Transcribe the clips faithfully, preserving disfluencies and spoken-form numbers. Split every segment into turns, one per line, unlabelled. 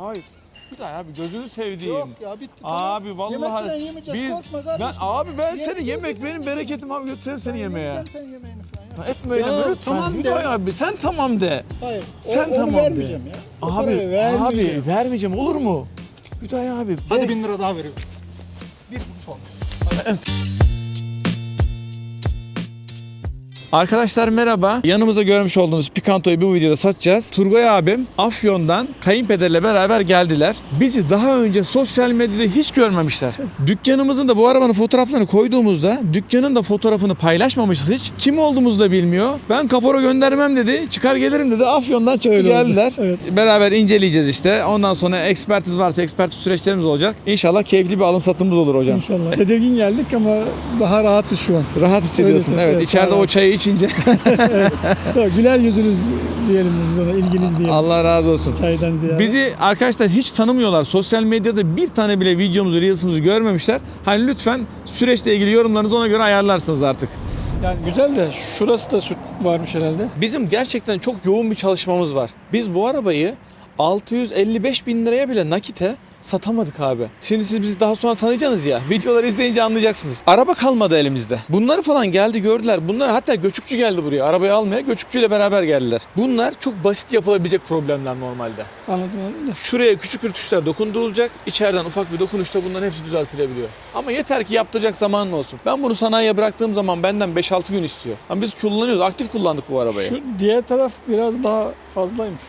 Hayır. Bir daha abi gözünü sevdiğim.
Yok ya bitti
Abi
tamam.
vallahi
Yemekten yemeyeceğiz,
biz
korkma
ben
kardeşim.
abi ben seni
Yemeyeceğiz,
yemek benim
yemeyeceğiz.
bereketim abi götürürüm seni
Ben
yemeğe.
yemeyeceğim, sen yemeğini falan ya.
Etme öyle
Ya,
lütfen.
tamam de.
Hüdayi abi sen tamam de.
Hayır.
Sen
o, onu
tamam de.
vermeyeceğim ya. O
Abi
parayı vermeyeceğim.
abi vermeyeceğim olur mu? Hüdayi abi.
Hadi
be-
bin lira daha veriyorum. Bir kuruş olmuş.
Arkadaşlar merhaba. Yanımızda görmüş olduğunuz Picanto'yu bu videoda satacağız. Turgay abim Afyon'dan kayınpederle beraber geldiler. Bizi daha önce sosyal medyada hiç görmemişler. Dükkanımızın da bu arabanın fotoğraflarını koyduğumuzda dükkanın da fotoğrafını paylaşmamışız hiç. Kim olduğumuzu da bilmiyor. Ben kapora göndermem dedi. Çıkar gelirim dedi. Afyon'dan çıktı
Öyle oldu.
geldiler.
Evet.
Beraber inceleyeceğiz işte. Ondan sonra ekspertiz varsa ekspertiz süreçlerimiz olacak. İnşallah keyifli bir alım satımımız olur hocam.
İnşallah. Tedirgin geldik ama daha rahatız şu an.
Rahat hissediyorsun.
Öyle,
Evet.
evet,
İçeride
daha
o çayı içince.
Yok, güler yüzünüz diyelim biz ona, ilginiz diyelim.
Allah razı olsun.
Çaydan ziyade.
Bizi arkadaşlar hiç tanımıyorlar. Sosyal medyada bir tane bile videomuzu, reels'ımızı görmemişler. Hani lütfen süreçle ilgili yorumlarınızı ona göre ayarlarsınız artık.
Yani güzel de şurası da süt varmış herhalde.
Bizim gerçekten çok yoğun bir çalışmamız var. Biz bu arabayı altı yüz elli beş bin liraya bile nakite satamadık abi. Şimdi siz bizi daha sonra tanıyacaksınız ya. Videoları izleyince anlayacaksınız. Araba kalmadı elimizde. Bunları falan geldi gördüler. Bunlar hatta göçükçü geldi buraya. Arabayı almaya göçükçüyle beraber geldiler. Bunlar çok basit yapılabilecek problemler normalde.
Anladım anladım da.
Şuraya küçük rütuşlar dokundurulacak. İçeriden ufak bir dokunuşta bunların hepsi düzeltilebiliyor. Ama yeter ki yaptıracak zamanın olsun. Ben bunu sanayiye bıraktığım zaman benden beş altı gün istiyor. Ama biz kullanıyoruz. Aktif kullandık bu arabayı.
Şu diğer taraf biraz daha fazlaymış.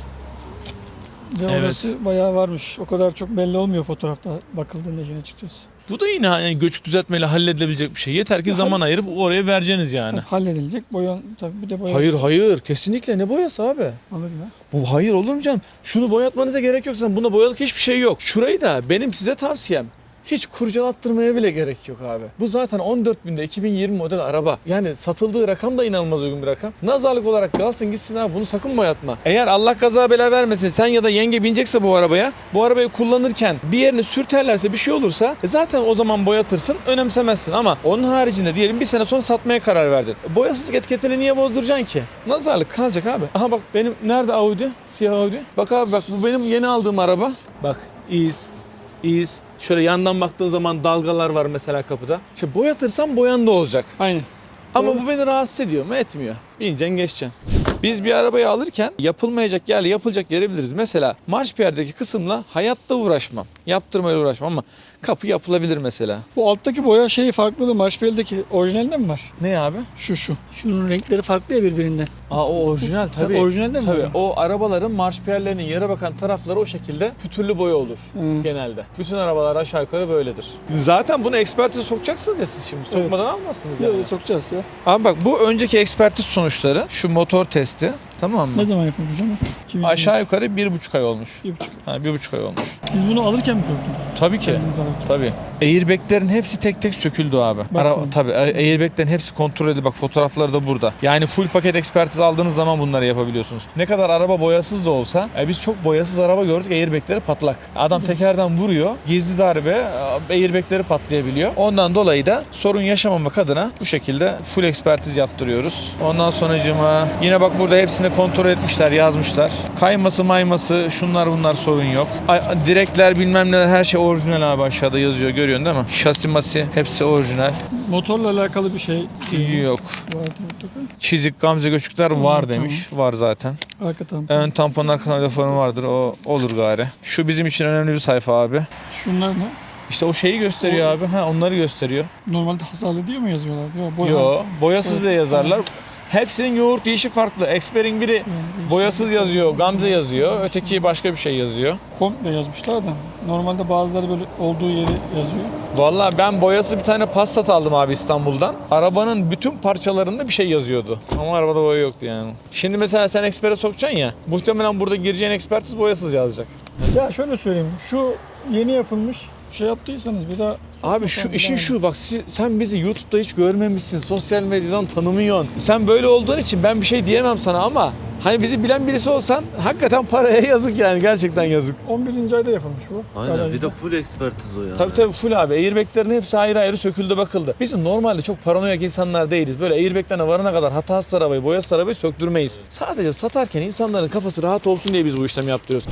Ve
Evet.
orası bayağı varmış. O kadar çok belli olmuyor fotoğrafta bakıldığında işin açıkçası.
Bu da yine yani göçük düzeltmeyle halledilebilecek bir şey. Yeter ki
Ya
zaman ayırıp oraya vereceğiniz yani.
Tabii halledilecek. Boyan tabii bir de boya.
Hayır hayır kesinlikle ne boyası abi?
Alır ya.
Bu hayır olur mu canım? Şunu boyatmanıza gerek yok. Zaten buna boyalık hiçbir şey yok. Şurayı da benim size tavsiyem. Hiç kurcalattırmaya bile gerek yok abi. Bu zaten on dört binde iki bin yirmi model araba. Yani satıldığı rakam da inanılmaz uygun bir rakam. Nazarlık olarak kalsın gitsin abi, bunu sakın boyatma. Eğer Allah kaza bela vermesin sen ya da yenge binecekse bu arabaya, bu arabayı kullanırken bir yerini sürterlerse bir şey olursa e zaten o zaman boyatırsın, önemsemezsin. Ama onun haricinde diyelim bir sene sonra satmaya karar verdin. Boyasızlık etiketini niye bozduracaksın ki? Nazarlık kalacak abi. Aha bak benim nerede Audi? Siyah Audi. Bak abi bak bu benim yeni aldığım araba. Bak iz. İz. Şöyle yandan baktığın zaman dalgalar var mesela kapıda. İşte boyatırsan boyan da olacak.
Aynen.
Ama
Doğru.
bu beni rahatsız ediyor mu? Etmiyor. Bineceksin geçeceksin. Biz bir arabayı alırken yapılmayacak yerle yapılacak yeri biliriz. Mesela marşpiyerdeki kısımla hayatta uğraşmam. Yaptırmayla uğraşmam ama kapı yapılabilir mesela.
Bu alttaki boya şeyi farklı. Marshbell'deki orijinalinde mi var?
Ne abi?
Şu şu. Şunun renkleri farklı ya birbirinden.
Aa o orijinal tabii.
Orijinalde mi
Tabii
var?
o arabaların marşpiyerlerinin yere bakan tarafları o şekilde pütürlü boya olur
Hı.
genelde. Bütün arabalar aşağı yukarı böyledir. Zaten bunu ekspertize sokacaksınız ya siz şimdi. Sokmadan almazsınız yani.
Böyle sokacağız ya.
Abi bak bu önceki ekspertiz sonuçları. Şu motor testi. Tamam mı?
Ne zaman yapılmış ama? iki bin yirmi.
Aşağı yukarı bir buçuk ay olmuş.
Bir buçuk.
Ha, bir buçuk ay olmuş.
Siz bunu alırken mi soktunuz?
Tabii ki.
Kendiniz alırken.
Tabii. Airbag'lerin hepsi tek tek söküldü abi. Ara,
Bakın.
tabii airbag'lerin hepsi kontrol edildi. Bak fotoğrafları da burada. Yani full paket ekspertiz aldığınız zaman bunları yapabiliyorsunuz. Ne kadar araba boyasız da olsa e, biz çok boyasız araba gördük, airbag'leri patlak. Adam tekerden vuruyor. Gizli darbe airbag'leri patlayabiliyor. Ondan dolayı da sorun yaşamamak adına bu şekilde full ekspertiz yaptırıyoruz. Ondan sonracığıma yine bak burada hepsini kontrol etmişler, yazmışlar. Kayması mayması şunlar bunlar sorun yok. Ay, direkler bilmem neler her şey orijinal abi, aşağıda yazıyor görüyorsun değil mi? Şasi masi hepsi orijinal.
Motorla alakalı bir şey
Yok.
vardı mutlaka.
Çizik gamze göçükler var
Tamam.
demiş. Var zaten.
Arka tampon.
Ön tampon arka tamponu vardır. O olur gari. Şu bizim için önemli bir sayfa abi.
Şunlar ne?
İşte o şeyi gösteriyor abi. Ha onları gösteriyor.
Normalde hasarlı diye mi yazıyorlar? Yok boya.
Yo, boyasız diye
Evet.
yazarlar. Hepsinin yoğurt değişi farklı. Expert'in biri
Yani değişik.
boyasız yazıyor, gamze yazıyor. Öteki başka bir şey yazıyor.
Komple yazmışlar da. Normalde bazıları böyle olduğu yeri yazıyor.
Vallahi ben boyası bir tane Passat aldım abi İstanbul'dan. Arabanın bütün parçalarında bir şey yazıyordu. Ama arabada boya yoktu yani. Şimdi mesela sen Expert'e sokacaksın ya. Muhtemelen burada gireceğin ekspertiz boyasız yazacak.
Ya şöyle söyleyeyim. Şu yeni yapılmış şey yaptıysanız bir daha...
Abi şu işin şu bak siz, sen bizi YouTube'da hiç görmemişsin. Sosyal medyadan tanımıyorsun. Sen böyle olduğun için ben bir şey diyemem sana ama hani bizi bilen birisi olsan hakikaten paraya yazık yani, gerçekten yazık.
on birinci ayda yapılmış bu.
Aynen
garajda.
bir de full ekspertiz o ya.
Tabii tabii full abi. Airbag'lerin hepsi ayrı ayrı söküldü bakıldı. Bizim normalde çok paranoyak insanlar değiliz. Böyle airbag'lerine varana kadar hatasız arabayı, boyasız arabayı söktürmeyiz. Sadece satarken insanların kafası rahat olsun diye biz bu işlemi yaptırıyoruz.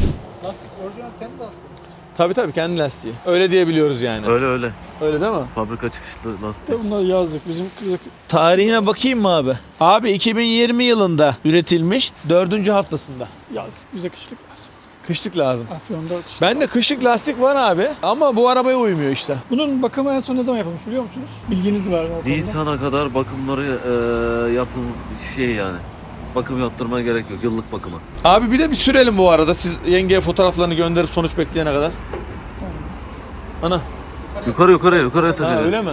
Lastik orijinal kendi lastiği.
Tabii tabii kendi lastiği. Öyle diyebiliyoruz yani.
Öyle öyle.
Öyle değil mi?
Fabrika çıkışlı lastik.
İşte bunlar yazlık. Bizim kızık
Tarihine bakayım mı abi? Abi iki bin yirmi yılında üretilmiş dördüncü haftasında.
yazlık. Bize kışlık lazım.
Kışlık lazım.
Afyon'da kışlık.
Bende kışlık lastik var abi ama bu arabaya uymuyor işte.
Bunun bakımı en son ne zaman yapılmış biliyor musunuz? Bilginiz var mı o konuda?
Nisan'a kadar bakımları e, yapın şey yani. Bakım yaptırmaya gerek yok. Yıllık bakıma.
Abi bir de bir sürelim bu arada siz yengeye fotoğraflarını gönderip sonuç bekleyene kadar. Ana.
Yukarı yukarı yukarıya
Ha,
takacağız.
öyle mi?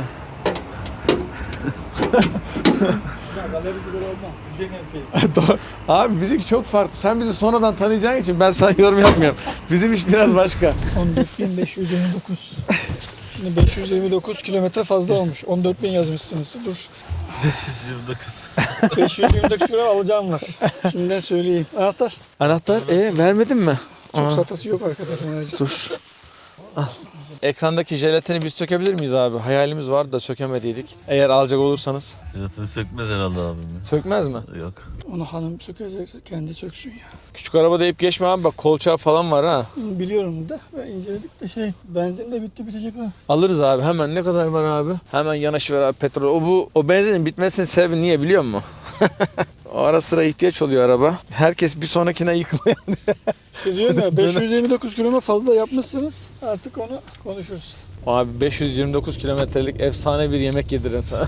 Galeri gibi olmam. Bilecek her şeyi.
Doğru. Abi bizimki çok farklı. Sen bizi sonradan tanıyacağın için ben sana yorum yapmıyorum. Bizim iş biraz başka.
on dört bin beş yüz yirmi dokuz. Şimdi beş yüz yirmi dokuz kilometre fazla olmuş. on dört bin yazmışsınız. Dur.
beş yüz yirmi dokuz.
beş yüz yirmi dokuz kilo alacağım var. Şimdiden söyleyeyim. Anahtar.
Anahtar e vermedin mi?
Çok
Aa.
satası yok arkadaşlar.
Dur. Al. Ekrandaki jelatini biz sökebilir miyiz abi? Hayalimiz vardı da sökemediydik. Eğer alacak olursanız.
Fiyatını sökmez herhalde abim.
Sökmez mi?
Yok.
Onu hanım sökecek, kendi söksün ya.
Küçük araba deyip geçme abi bak kolçağı falan var ha.
Biliyorum da ben inceledik de şey benzin de bitti bitecek ha.
Alırız abi hemen ne kadar var abi? Hemen yanaşıver abi petrol. O bu o benzinin bitmesinin sebebi niye biliyor musun? O ara sıra ihtiyaç oluyor araba. Herkes bir sonrakine yıkılıyor.
İşte diyorum ya beş yüz yirmi dokuz kilometre fazla yapmışsınız. Artık onu konuşuruz.
Abi beş yüz yirmi dokuz kilometrelik efsane bir yemek yediririm sana.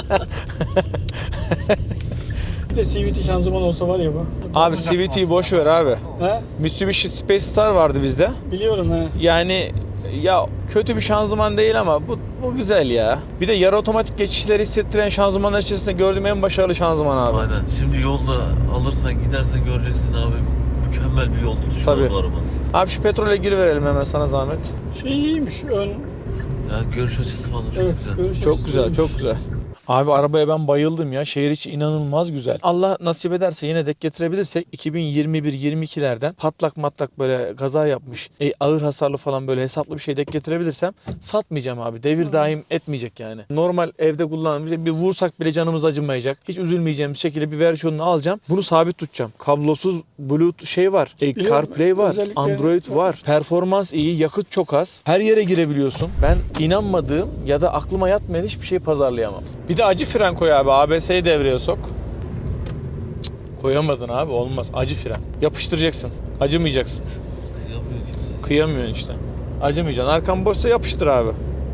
Bir de C V T şanzıman olsa var ya bu.
Abi C V T'yi boş ver abi.
He?
Mitsubishi Space Star vardı bizde.
Biliyorum he.
Yani ya kötü bir şanzıman değil ama bu bu güzel ya. Bir de yarı otomatik geçişleri hissettiren şanzımanlar içerisinde gördüğüm en başarılı şanzıman abi.
Aynen. Şimdi yolda alırsan gidersen göreceksin abi. Mükemmel bir yol tutuşu
Tabii.
var bu araba.
Abi şu petrole giriverelim hemen sana zahmet.
Şey iyiymiş ön.
Yani görüş açısı falan çok
Evet.
güzel.
görüş
Çok
açısı
güzel,
iyiymiş.
çok güzel. Abi arabaya ben bayıldım ya. Şehir içi inanılmaz güzel. Allah nasip ederse yine dek getirebilirsek iki bin yirmi bir yirmi ikilerden patlak matlak böyle kaza yapmış, e, ağır hasarlı falan böyle hesaplı bir şey dek getirebilirsem satmayacağım abi. Devir daim etmeyecek yani. Normal evde kullandığımız bir vursak bile canımız acımayacak. Hiç üzülmeyeceğimiz şekilde bir versiyonunu alacağım. Bunu sabit tutacağım. Kablosuz Bluetooth şey var. E,
Biliyorum,
CarPlay var.
özellikle-
Android var. Performans iyi. Yakıt çok az. Her yere girebiliyorsun. Ben inanmadığım ya da aklıma yatmayan hiçbir şeyi pazarlayamam. Bir de acı fren koy abi. A B S'yi devreye sok. Cık, koyamadın abi. Olmaz. Acı fren. Yapıştıracaksın. Acımayacaksın.
Kıyamıyor gibisin.
Kıyamıyorsun işte. Acımayacaksın. Arkan boşsa yapıştır abi.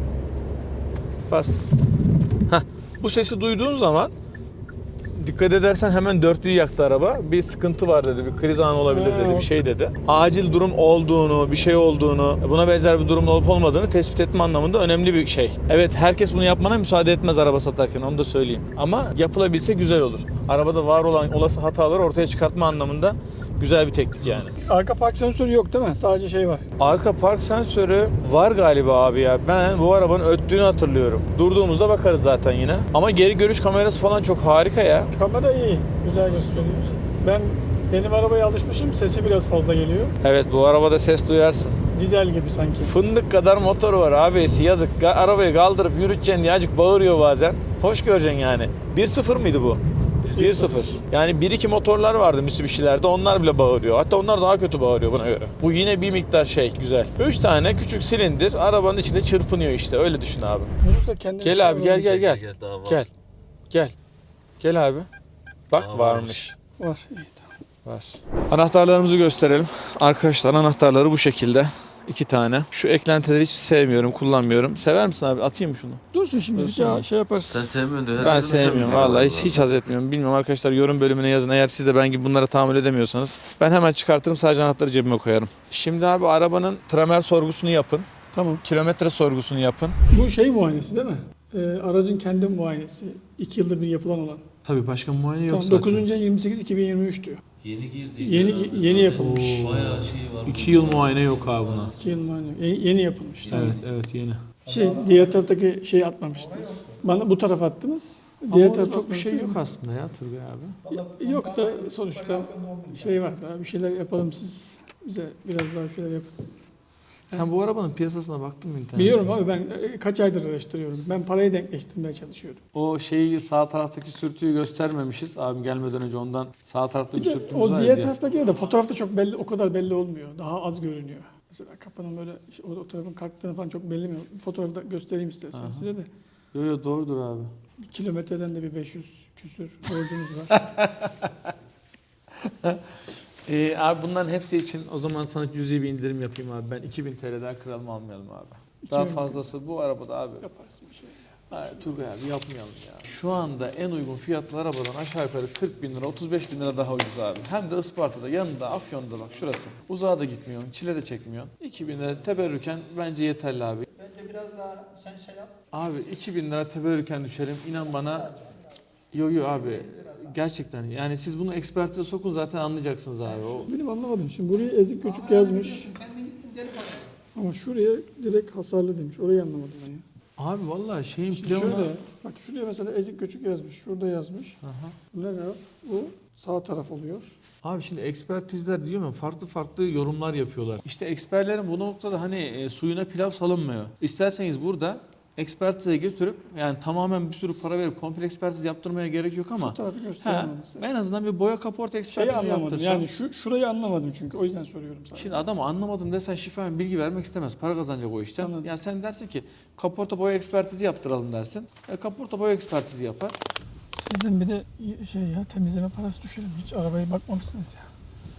Bas. Heh. Bu sesi duyduğun zaman dikkat edersen hemen dörtlüyü yaktı araba. Bir sıkıntı var dedi. Bir kriz anı olabilir dedi. Bir şey dedi. Acil durum olduğunu, bir şey olduğunu, buna benzer bir durumun olup olmadığını tespit etme anlamında önemli bir şey. Evet herkes bunu yapmana müsaade etmez araba satarken onu da söyleyeyim. Ama yapılabilse güzel olur. Arabada var olan olası hataları ortaya çıkartma anlamında güzel bir teknik yani.
Arka park sensörü yok değil mi? Sadece şey var.
Arka park sensörü var galiba abi ya. Ben bu arabanın öttüğünü hatırlıyorum. Durduğumuzda bakarız zaten yine. Ama geri görüş kamerası falan çok harika ya.
Kamera iyi. Güzel gösteriyor. Ben benim arabaya alışmışım. Sesi biraz fazla geliyor.
Evet bu arabada ses duyarsın.
Dizel gibi sanki.
Fındık kadar motor var abisi yazık. Ga- Arabayı kaldırıp yürüteceksin diye azıcık bağırıyor bazen. Hoş göreceksin yani. bir sıfır mıydı bu? bir sıfır. Yani bir iki motorlar vardı Mitsubishi'lerde onlar bile bağırıyor. Hatta onlar daha kötü bağırıyor buna göre. Bu yine bir miktar şey güzel. üç tane küçük silindir arabanın içinde çırpınıyor işte öyle düşün abi.
Vurursa kendini
Gel abi gel gel gel.
Gel, daha var.
Gel. Gel. Gel abi. Bak
Daha
varmış.
Var. İyi, tamam.
Var. Anahtarlarımızı gösterelim. Arkadaşlar anahtarları bu şekilde. İki tane. Şu eklentileri hiç sevmiyorum, kullanmıyorum. Sever misin abi? Atayım mı şunu?
Dursun şimdi bir
Dursun.
şey, şey yaparız.
Sen sevmiyorsun diyor.
Ben
Herkes
sevmiyorum
sevmiyor
vallahi hiç,
galiba.
hiç haz etmiyorum. Bilmiyorum arkadaşlar yorum bölümüne yazın. Eğer siz de ben gibi bunlara tahammül edemiyorsanız ben hemen çıkartırım sadece anahtarı cebime koyarım. Şimdi abi arabanın tramer sorgusunu yapın.
Tamam.
Kilometre sorgusunu yapın.
Bu şey muayenesi değil mi? Ee, aracın kendi muayenesi. İki yılda bir yapılan olan.
Tabii başka muayene yok
Tamam, dokuzuncu yirmi sekiz iki bin yirmi üç diyor.
Yeni girdi.
Yeni-
herhalde.
yeni
Zaten
yapılmış.
Bayağı şey var.
İki yıl muayene yok abi buna.
İki yıl muayene. Yeni, yeni yapılmış. Tamam.
evet yeni.
Şey, diğer taraftaki şeyi atmamıştınız. Bana bu tarafa attınız. Diğer
Ama
taraf
orada çok bir şey
atmamışsınız.
yok aslında ya Turgay abi.
Ya- Yok da sonuçta şey var daha bir şeyler yapalım siz bize biraz daha bir şeyler yapın.
Sen bu arabanın piyasasına baktın mı internette?
Biliyorum abi, ben e, kaç aydır araştırıyorum. Ben parayı denkleştirmeye çalışıyorum.
O şeyi sağ taraftaki sürtüyü göstermemişiz. Abim gelmeden önce ondan sağ tarafta bir
Bir de
sürtüğümüz
o
var
diğer
ya.
taraftaki de fotoğrafta çok belli, o kadar belli olmuyor. Daha az görünüyor. Mesela kapının böyle o, o tarafın kalktığını falan çok belli mi? Fotoğrafta göstereyim istersen
Aha.
size de.
Yo yo doğrudur abi.
Bir kilometreden de bir beş yüz küsür borcunuz var.
Ee, abi bunların hepsi için o zaman sana cüzi bir indirim yapayım abi. Ben iki bin T L'den kralımı almayalım abi. Daha
iki bin
fazlası bu arabada abi.
Yaparsın bir şey.
Hayır, Turgay abi yapmayalım ya. Şu anda en uygun fiyatlı arabadan aşağı yukarı kırk bin lira, otuz beş bin lira daha ucuz abi. Hem de Isparta'da, yanında, Afyon'da bak şurası. Uzağa da gitmiyorsun, çile de çekmiyorsun. iki bin lira teberrüken bence yeterli abi.
Bence biraz daha sen şey yap.
Abi iki bin lira teberrüken düşerim. İnan bana. Yo yo abi. Gerçekten yani siz bunu ekspertize sokun zaten anlayacaksınız abi. O
Benim anlamadım. Şimdi buraya ezik göçük yazmış.
Kendin gittin deli para.
Ama şuraya direkt hasarlı demiş. Orayı anlamadım ben ya.
abi vallahi şeyin
Şimdi
planı.
şöyle, bak şuraya mesela ezik göçük yazmış. Şurada yazmış.
Aha.
Bu ne ya? Bu sağ taraf oluyor.
Abi şimdi ekspertizler diyor mu farklı farklı yorumlar yapıyorlar. İşte eksperlerin bu noktada hani e, suyuna pilav salınmıyor. İsterseniz burada ekspertize götürüp yani tamamen bir sürü para verip komple ekspertiz yaptırmaya gerek yok ama
Şu tarafı
ha,
gösteremem mesela.
en azından bir boya kaporta
Şeyi
ekspertizi
anlamadım.
yaptırsan.
Yani şu şurayı anlamadım çünkü. O yüzden soruyorum sana.
Şimdi adam anlamadım desen şifayen bilgi vermek istemez. Para kazanacak o işten.
Anladım.
Yani sen dersin ki kaporta boya ekspertizi yaptıralım dersin. E, kaporta boya ekspertizi yapar.
Sizden bir de şey ya, temizleme parası düşelim. Hiç arabaya bakmamışsınız ya.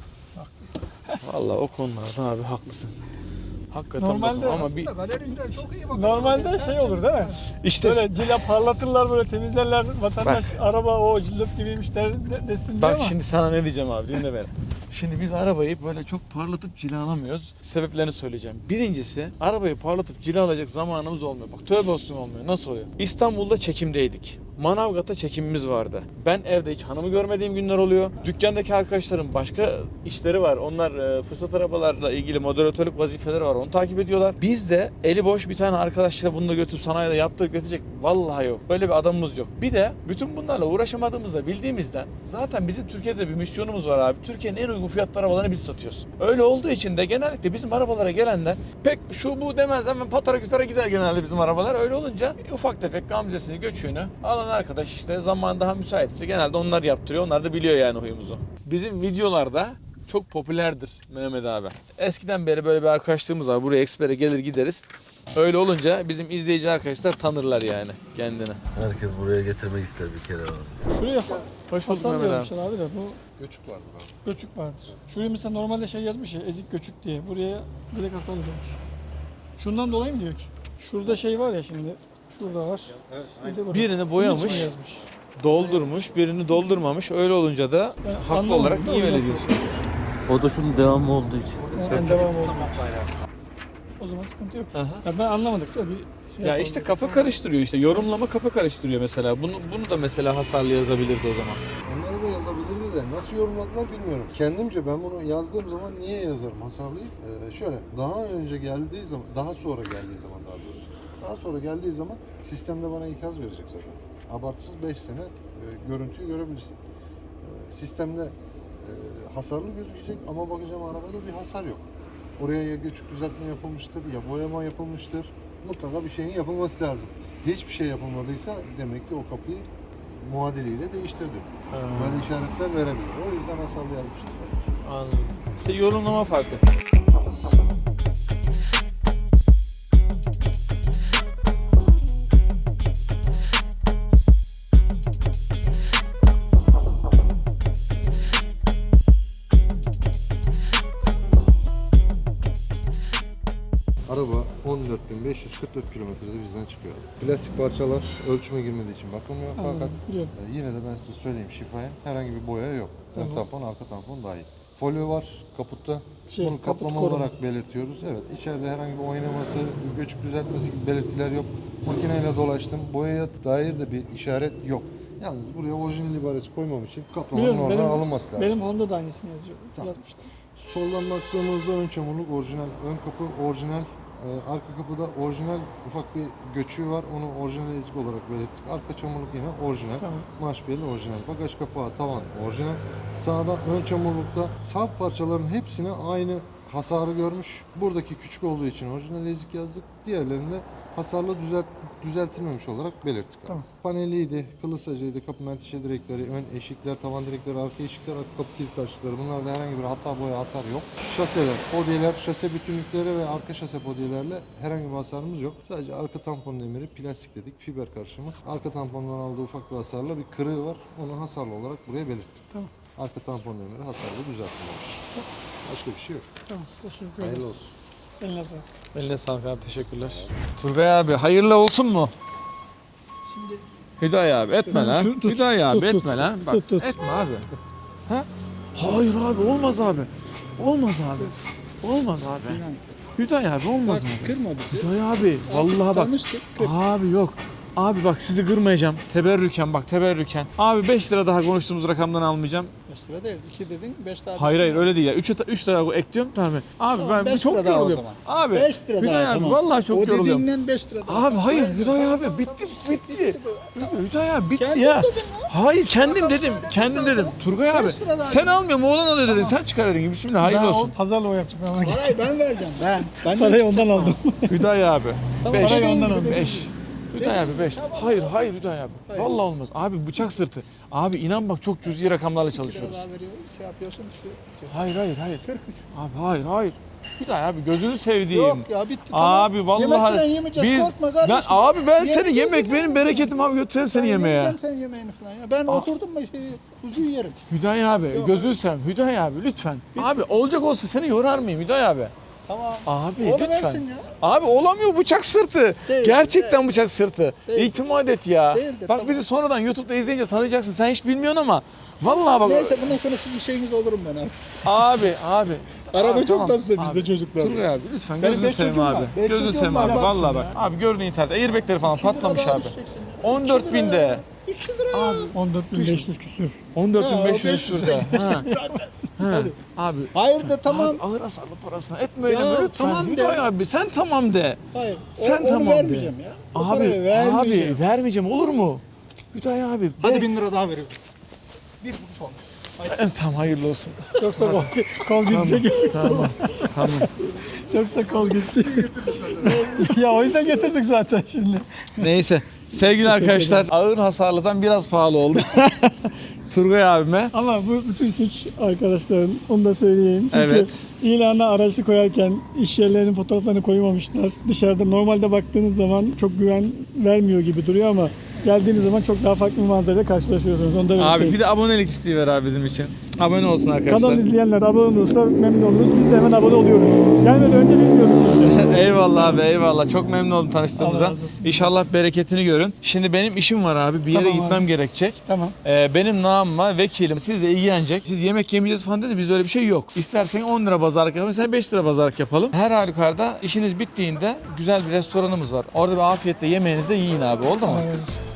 Vallahi o konularda abi haklısın. Hakikaten
Normalde
bakın ama bir
Galericiler çok iyi bakıyor.
Normalde şey olur değil mi?
işte
Böyle cila parlatırlar, böyle temizlerler. Vatandaş araba o cillop gibiymiş der, de, desin diye
bak
ama.
şimdi sana ne diyeceğim abi dinle beni. Şimdi biz arabayı böyle çok parlatıp cilalamıyoruz. Sebeplerini söyleyeceğim. Birincisi arabayı parlatıp cilalayacak zamanımız olmuyor. Bak tövbe olsun olmuyor. Nasıl oluyor? İstanbul'da çekimdeydik. Manavgat'ta çekimimiz vardı. Ben evde hiç hanımı görmediğim günler oluyor. Dükkandaki arkadaşlarım başka işleri var. Onlar e, fırsat arabalarla ilgili moderatörlük vazifeleri var. Onu takip ediyorlar. Biz de eli boş bir tane arkadaşla bunu da götürüp sanayide yaptırıp getirecek. Vallahi yok. Böyle bir adamımız yok. Bir de bütün bunlarla uğraşamadığımızda bildiğimizden zaten bizim Türkiye'de bir misyonumuz var abi. Türkiye'nin en uygun fiyatlı arabalarını biz satıyoruz. Öyle olduğu için de genellikle bizim arabalara gelenler pek şu bu demez hemen patara kütara gider genelde bizim arabalar. Öyle olunca ufak tefek gamzesini göçüğünü alan arkadaş işte zaman daha müsaitse genelde onlar yaptırıyor. Onlar da biliyor yani huyumuzu. Bizim videolarda çok popülerdir Mehmet abi. Eskiden beri böyle bir arkadaşlığımız var. Buraya ekspere gelir gideriz. Öyle olunca bizim izleyici arkadaşlar tanırlar yani kendini.
Herkes buraya getirmek ister bir kere abi.
Şuraya
Hoş bulduk
hasar
Mehmet abi.
yazmışlar abi de bu
Göçük vardı abi.
göçük vardır. Şuraya mesela normalde şey yazmış ya, ezik göçük diye. Buraya direkt hasarlı demiş. Şundan dolayı mı diyor ki? Şurada şey var ya şimdi. Şurada var. Bir de burada.
Birini
Bunun için
boyamış,
mi yazmış?
doldurmuş, birini doldurmamış. Öyle olunca da
Ben
haklı
anlamadım
olarak
da
niye
o
öyle
yüzden
diyorsun?
O da şunun devamı olduğu için.
Yani devam oldu. O zaman sıkıntı yok.
Aha.
Ya ben anlamadım. Şöyle bir şey
Ya
yapalım.
işte kafa karıştırıyor işte. Yorumlama kafa karıştırıyor mesela. Bunu bunu da mesela hasarlı yazabilirdi o zaman.
Onları da yazabilirdi de nasıl yorumladılar bilmiyorum. Kendimce ben bunu yazdığım zaman niye yazarım hasarlıyı? Ee, şöyle daha önce geldiği zaman, daha sonra geldiği zaman daha doğrusu. Daha sonra geldiği zaman sistemde bana ikaz verecek zaten. Abartısız beş sene e, görüntüyü görebilirsin. E, sistemde e, hasarlı gözükecek ama bakacağım arabada bir hasar yok. Oraya ya göçük düzeltme yapılmıştır ya boyama yapılmıştır. Mutlaka bir şeyin yapılması lazım. Hiçbir şey yapılmadıysa demek ki o kapıyı muadiliyle değiştirdi. Böyle işaretler verebilir. O yüzden hasarlı yazmıştım.
Anladım. İşte yorumlama farkı.
Araba on dört bin beş yüz kırk dört kilometrede bizden çıkıyor. Plastik parçalar ölçüme girmediği için bakılmıyor fakat
Anladım, biliyorum.
e, yine de ben size söyleyeyim şifaya herhangi bir boya yok.
Tamam.
Ön tampon, arka tampon dahil. Folyo var kaputta.
Şey,
Bunu
kaput
kaplama
koruma.
olarak belirtiyoruz. Evet, içeride herhangi bir oynaması, göçük düzeltmesi gibi belirtiler yok. Makineyle dolaştım. Boyaya dair de bir işaret yok. Yalnız buraya orijinal ibaresi koymam için kaplamanın
Biliyorum,
oradan
benim,
alınması lazım.
benim Honda da aynısını yazıyor.
Tamam.
Yazmışlar.
Soldan baktığımızda ön çamurluk orijinal, ön kapı orijinal, e, arka kapıda orijinal ufak bir göçüğü var. Onu orijinal ezik olarak belirttik. Arka çamurluk yine orijinal.
Tamam.
Marş beli orijinal. Bagaj kapağı, tavan orijinal. Sağda ön çamurlukta sağ parçaların hepsine aynı hasarı görmüş. Buradaki küçük olduğu için orijinal ezik yazdık. Diğerlerinde hasarlı düzelt, düzeltilmemiş olarak belirttik. Tamam. Paneliydi, kılıçsacıydı, kapı menteşe direkleri, ön eşikler, tavan direkleri, arka eşikler, arka kapı kilit taşları. Bunlarda herhangi bir hata, boya, hasar yok. Şaseler, podyeler, şase bütünlükleri ve arka şase podyelerle herhangi bir hasarımız yok. Sadece arka tampon demiri plastik dedik, fiber karışımı. Arka tampondan aldığı ufak bir hasarla bir kırığı var. Onu hasarlı olarak buraya belirttim.
Tamam.
Arka tampon demiri hasarlı düzeltilmemiş. Başka bir şey yok.
Tamam. Teşekkür
Hayırlı
ederiz.
olsun.
Eline sağlık.
Eline sağlık abi, teşekkürler. Turgay abi hayırlı olsun mu?
Şimdi
Hüdayi abi etme
Sen
lan.
şu- tut,
Hüdayi abi
tut, tut.
etme lan. Bak
Tut, tut.
etme abi. Ha? Hayır abi olmaz abi. Olmaz abi. Olmaz abi. Hüdayi abi olmaz
bak
abi.
kırma bizi.
Hüdayi abi vallahi bak.
Tanıştık. Kır.
Abi yok. Abi bak sizi kırmayacağım. Teberrüken bak teberrüken. Abi beş lira daha konuştuğumuz rakamdan almayacağım.
beş lira değil. iki dedin. beş daha.
Hayır
düştü.
hayır öyle değil ya. üç lira ekliyorum tamam. Abi
Tamam,
ben
beş
çok
lira daha o
yoruluyorum.
zaman.
Abi
beş lira
Hüdayi
daha.
abi
tamam.
vallahi çok
o
yoruluyorum.
dediğinden beş lira daha.
Abi hayır
Hayır,
Hüdayi
hayır,
abi bitti bitti. Hüdayi abi bitti
Kendin
ya.
dedin
Hayır kendim
Adam
dedim.
söyledi
Kendim
zaten.
dedim. Turgay abi
Beş lira daha
sen
dedi.
almıyor mu oğlan alıyor dedin. Sen çıkar dedin. Bismillah hayırlı
Ben
olsun.
o pazarla o yapacak. Ben ona gideceğim.
Parayı ben vereceğim. Ben. ben
Parayı ondan aldım.
Hüdayi abi.
Tamam,
beş.
parayı
ondan aldım.
beş. Hüdayi abi beş. Hayır hayır Hüdayi abi. Vallahi olmaz. Abi bıçak sırtı. Abi inan bak çok cüzi rakamlarla
Bir lira
çalışıyoruz.
daha veriyorum. Şey yapıyorsun. Şu,
Hayır hayır hayır. Abi hayır hayır. Hüdayi abi gözünü sevdiğim.
Yok ya bitti.
Abi
tamam.
vallahi
Yemekten yemeyeceğiz.
biz
Korkma kardeşim.
ben abi ben seni
Yemeyeceğiz,
yemek benim
yemeyeceğiz.
bereketim abi götüreyim seni
Ben
yemeğe.
yemeyeceğim sen yemeğini falan ya. Ben oturdum mu şey, kuzuyu yerim.
Hüdayi abi gözünü seveyim. Hüdayi abi lütfen. Abi olacak olsa seni yorar mıyım Hüdayi abi?
Tamam.
Abi
Onu
lütfen.
versin ya.
Abi olamıyor bıçak sırtı.
Değil,
Gerçekten
değil.
bıçak sırtı.
Değil.
İtimat et ya.
Değildir,
Bak
tamam.
bizi sonradan YouTube'da izleyince tanıyacaksın. Sen hiç bilmiyorsun ama. Vallahi bak.
Neyse bundan sonra sizin şeyiniz olurum ben abi.
Abi abi.
Araba
Abi,
çok
tamam.
tatsız bizde
Abi,
çocuklar.
Turgay abi lütfen
Benim
gözünü
beş
seveyim
çocuğum
abi.
var. Beş
Gözünü
çocuğum
seveyim
var,
abi.
baksın
Vallahi bak. Abi gördüğün internette airbagleri falan patlamış abi. on dört binde.
iki lira. Abi.
on dört bin beş yüz küsür.
on dört bin
Ha,
beş yüz
beş yüz
şurada. Ha,
zaten.
ha. Abi.
Hayır de tamam.
Abi, ağır hasarlı parasına etme öyle
Ya,
mi lütfen.
tamam de.
Hüdayi abi sen tamam de.
Hayır.
Sen
o, onu
tamam de.
vermeyeceğim ya. O
Abi
parayı vermeyeceğim.
abi vermeyeceğim olur mu? Hüdayi abi.
Hadi
be-
bin lira daha veriyorum. Bir kuruş olmuş.
Tamam hayırlı olsun.
Yoksa kol, kol gidecek.
Tamam. Tamam.
Yoksa kol gidecek. Ya o yüzden getirdik zaten şimdi.
Neyse. Sevgili arkadaşlar ağır hasarlıdan biraz pahalı oldu. Turgay abime.
Ama bu bütün suç arkadaşların, onu da söyleyeyim. Çünkü
Evet.
ilana araçlı koyarken iş yerlerinin fotoğraflarını koymamışlar. Dışarıda normalde baktığınız zaman çok güven vermiyor gibi duruyor ama geldiğiniz zaman çok daha farklı bir manzarayla karşılaşıyorsunuz. Onu da
Abi
belirteyim.
bir de abonelik isteği ver abi bizim için. Abone olsun arkadaşlar.
Kanal izleyenler abone olursa memnun oluruz. Biz de hemen abone oluyoruz. Gelmeden önce bilmiyorduk biz de.
Eyvallah abi eyvallah. Çok memnun oldum tanıştığımıza.
Allah razı olsun.
İnşallah bereketini görün. Şimdi benim işim var abi. Bir yere
Tamam
gitmem
abi.
gerekecek.
Tamam.
Ee, benim namıma vekilim sizle ilgilenecek. Siz yemek yemeyeceğiz falan dedi. Bizde öyle bir şey yok. İstersen on lira pazarlık yapalım. Sen beş lira pazarlık yapalım. Her halükarda işiniz bittiğinde güzel bir restoranımız var. Orada bir afiyetle yemeğinizi de yiyin abi. Oldu mu?
Allah razı olsun.